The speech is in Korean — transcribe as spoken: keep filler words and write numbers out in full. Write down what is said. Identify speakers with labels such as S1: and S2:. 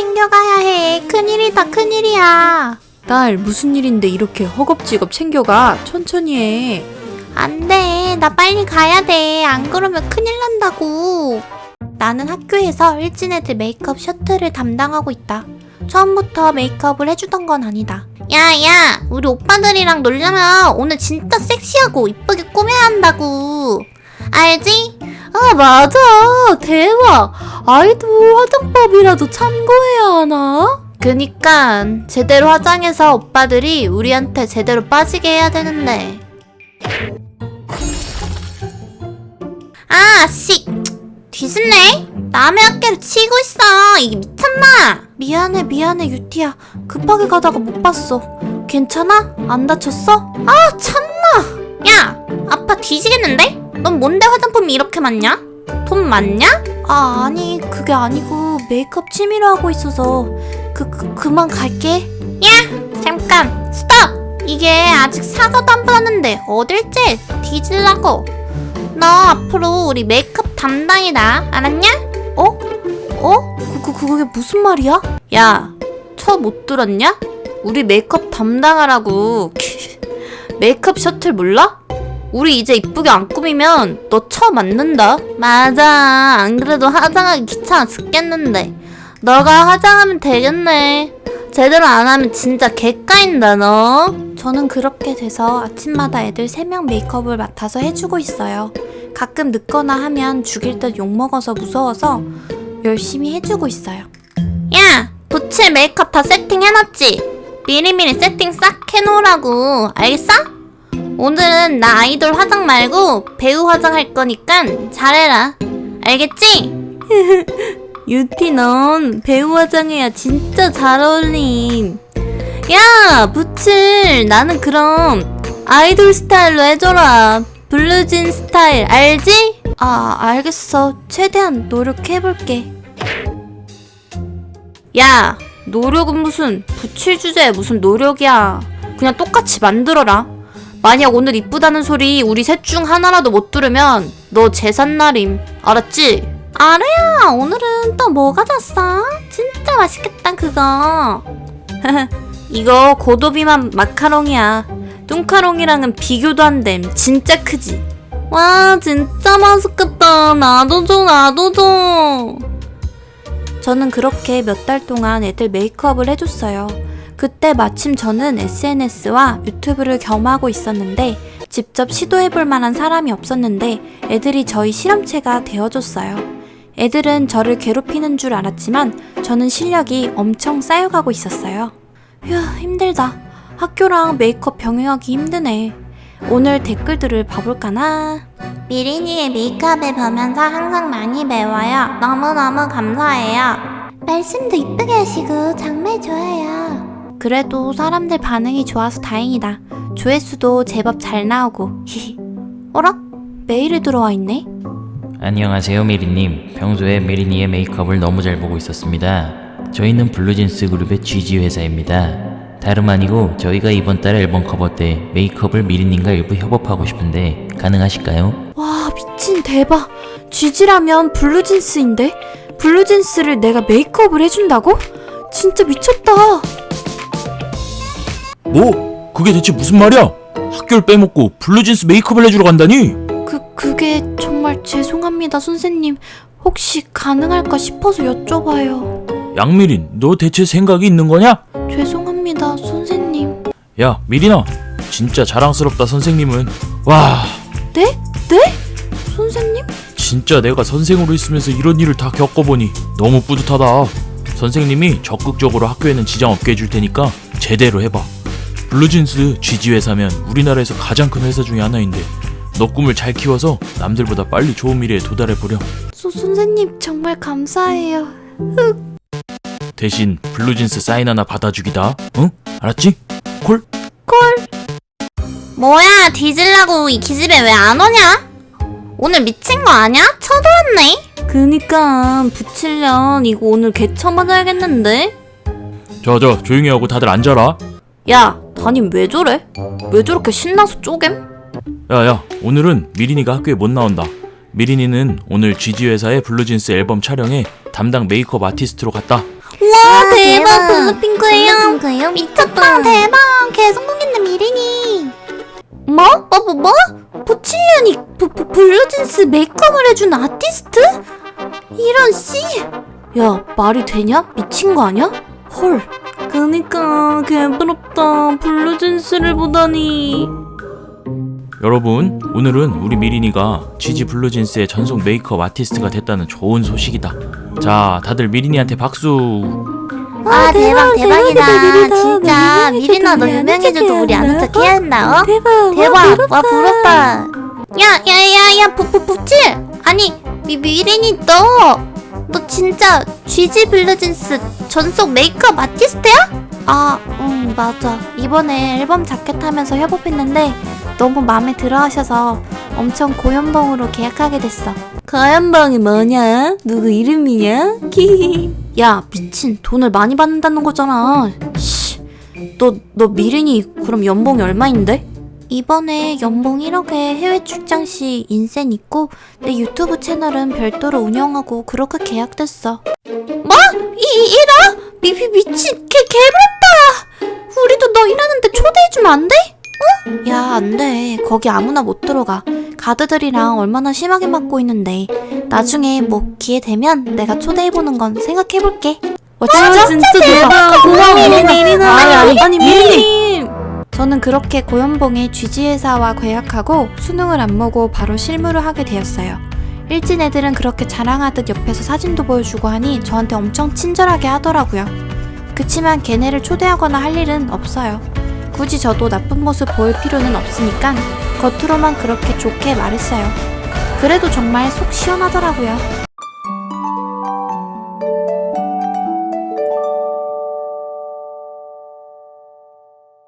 S1: 챙겨가야 해. 큰일이다, 큰일이야.
S2: 딸, 무슨 일인데 이렇게 허겁지겁 챙겨가? 천천히 해.
S1: 안 돼. 나 빨리 가야 돼. 안 그러면 큰일 난다고. 나는 학교에서 일진 애들 메이크업 셔틀을 담당하고 있다. 처음부터 메이크업을 해주던 건 아니다. 야, 야, 우리 오빠들이랑 놀려면 오늘 진짜 섹시하고 이쁘게 꾸며야 한다고. 알지?
S2: 아, 맞아. 대박. 아이돌 화장법이라도 참고해야 하나?
S1: 그니까 제대로 화장해서 오빠들이 우리한테 제대로 빠지게 해야 되는데. 아, 씨. 뒤집네? 남의 어깨를 치고 있어. 이게 미쳤나? 미안해, 미안해, 유티야. 급하게 가다가 못 봤어. 괜찮아? 안 다쳤어? 아, 참나. 야, 아파 뒤지겠는데? 넌 뭔데 화장품이 이렇게 많냐? 돈 많냐? 아, 아니, 그게 아니고 메이크업 취미로 하고 있어서 그, 그 그만 갈게. 야, 잠깐, 스톱! 이게 아직 사과도 안 받았는데 어딜 째? 뒤질라고. 너 앞으로 우리 메이크업 담당이다. 알았냐?
S2: 어? 어? 그, 그, 그게 무슨 말이야?
S1: 야, 처 못 들었냐? 우리 메이크업 담당하라고. 메이크업 셔틀 몰라? 우리 이제 이쁘게 안 꾸미면 너 처 맞는다. 맞아. 안 그래도 화장하기 귀찮아 죽겠는데. 너가 화장하면 되겠네. 제대로 안 하면 진짜 개까인다 너. 저는 그렇게 돼서 아침마다 애들 세 명 메이크업을 맡아서 해주고 있어요. 가끔 늦거나 하면 죽일 듯 욕먹어서 무서워서 열심히 해주고 있어요. 야! 부칠 메이크업 다 세팅해놨지? 미리미리 세팅 싹 해놓으라고. 알겠어? 오늘은 나 아이돌 화장 말고 배우 화장할 거니까 잘해라. 알겠지? 유티 넌 배우 화장해야 진짜 잘 어울림. 야, 부칠. 나는 그럼 아이돌 스타일로 해줘라. 블루진 스타일 알지? 아, 알겠어. 최대한 노력해볼게. 야, 노력은 무슨 부칠 주제에 무슨 노력이야. 그냥 똑같이 만들어라. 만약 오늘 이쁘다는 소리 우리 셋 중 하나라도 못 들으면 너 제삿날임. 알았지? 아래야, 오늘은 또 뭐가 졌어? 진짜 맛있겠다 그거. 이거 고도비만 마카롱이야. 뚱카롱이랑은 비교도 안 됨. 진짜 크지? 와, 진짜 맛있겠다. 나도 줘, 나도 줘. 저는 그렇게 몇 달 동안 애들 메이크업을 해줬어요. 그때 마침 저는 에스엔에스와 유튜브를 겸하고 있었는데 직접 시도해볼 만한 사람이 없었는데 애들이 저희 실험체가 되어줬어요. 애들은 저를 괴롭히는 줄 알았지만 저는 실력이 엄청 쌓여가고 있었어요. 휴, 힘들다. 학교랑 메이크업 병행하기 힘드네. 오늘 댓글들을 봐볼까나? 미린이의 메이크업을 보면서 항상 많이 배워요. 너무너무 감사해요. 말씀도 이쁘게 하시고 정말 좋아요. 그래도 사람들 반응이 좋아서 다행이다. 조회수도 제법 잘 나오고. 히히. 어라? 메일이 들어와 있네?
S3: 안녕하세요 메리님. 평소에 메리니의 메이크업을 너무 잘 보고 있었습니다. 저희는 블루진스 그룹의 지지 회사입니다. 다름 아니고 저희가 이번 달 앨범 커버 때 메이크업을 미리님과 일부 협업하고 싶은데 가능하실까요?
S2: 와, 미친 대박. 지지라면 블루진스인데? 블루진스를 내가 메이크업을 해준다고? 진짜 미쳤다.
S4: 뭐? 그게 대체 무슨 말이야? 학교를 빼먹고 블루진스 메이크업을 해주러 간다니?
S2: 그, 그게 정말 죄송합니다, 선생님. 혹시 가능할까 싶어서 여쭤봐요.
S4: 양미린, 너 대체 생각이 있는 거냐?
S2: 죄송합니다, 선생님.
S4: 야, 미린아, 진짜 자랑스럽다. 선생님은 와,
S2: 네? 네? 선생님?
S4: 진짜 내가 선생으로 있으면서 이런 일을 다 겪어보니 너무 뿌듯하다. 선생님이 적극적으로 학교에는 지장 없게 해줄 테니까 제대로 해봐. 블루진스 지지 회사면 우리나라에서 가장 큰 회사 중에 하나인데 너 꿈을 잘 키워서 남들보다 빨리 좋은 미래에 도달해보려.
S2: 소, 선생님 정말 감사해요.
S4: 대신 블루진스 사인 하나 받아주기다. 응? 알았지? 콜?
S2: 콜.
S1: 뭐야, 뒤질라고 이 기집애 왜 안 오냐? 오늘 미친 거 아냐? 쳐들었네? 그니까 부칠년 이거 오늘 개처 맞아야겠는데?
S4: 자자, 조용히 하고 다들 앉아라.
S1: 야, 담임 왜 저래? 왜 저렇게 신나서 쪼갬?
S4: 야야, 오늘은 미린이가 학교에 못 나온다. 미린이는 오늘 지지 회사의 블루진스 앨범 촬영에 담당 메이크업 아티스트로 갔다.
S1: 와,
S5: 아,
S1: 대박,
S5: 대박.
S1: 블루핑크예요.
S5: 블루핑크예요?
S1: 미쳤다, 대박. 개성공했네, 미린이. 뭐? 뭐, 뭐, 뭐? 보칠년이 부, 부, 블루진스 메이크업을 해준 아티스트? 이런 씨. 야, 말이 되냐? 미친 거 아니야? 헐. 그니까 개부럽다. 블루진스를 보다니.
S4: 여러분, 오늘은 우리 미린이가 지지 블루진스의 전속 메이크업 아티스트가 됐다는 좋은 소식이다. 자, 다들 미린이한테 박수.
S5: 와 대박 대박이다.
S2: 대박이다.
S5: 진짜
S2: 미린이
S5: 미린아 너
S2: 해줄게,
S5: 유명해져도 우리 아는
S2: 해줄게.
S5: 척 해야 한다. 어?
S2: 대박.
S5: 대박. 와 부럽다.
S1: 야, 야, 야, 야, 부, 부, 부칠! 아니, 미, 미린이 너, 너 진짜 지지 블루진스 전속 메이크업 아티스트야? 아, 응, 맞아. 이번에 앨범 자켓 하면서 협업했는데 너무 마음에 들어 하셔서 엄청 고연봉으로 계약하게 됐어.
S2: 가연방이 뭐냐? 누구 이름이냐? 키히.
S1: 야, 미친. 돈을 많이 받는다는 거잖아. 씨. 너, 너 미린이 그럼 연봉이 얼마인데? 이번에 연봉 일억에 해외 출장 시 인센 있고 내 유튜브 채널은 별도로 운영하고 그렇게 계약됐어. 뭐? 이, 일억? 미, 미, 미친. 개, 개부럽다. 우리도 너 일하는데 초대해주면 안 돼? 어? 야, 안 돼. 거기 아무나 못 들어가. 가드들이랑 얼마나 심하게 맞고 있는데. 나중에 뭐 기회 되면 내가 초대해보는 건 생각해볼게. 와, 진짜?
S2: 진짜 대박. 고마워 미린이.
S1: 아니, 아니,
S2: 아니 미린이.
S1: 저는 그렇게 고연봉의 쥐지회사와 계약하고 수능을 안 보고 바로 실무를 하게 되었어요. 일진 애들은 그렇게 자랑하듯 옆에서 사진도 보여주고 하니 저한테 엄청 친절하게 하더라고요. 그치만 걔네를 초대하거나 할 일은 없어요. 굳이 저도 나쁜 모습 보일 필요는 없으니까 겉으로만 그렇게 좋게 말했어요. 그래도 정말 속 시원하더라고요.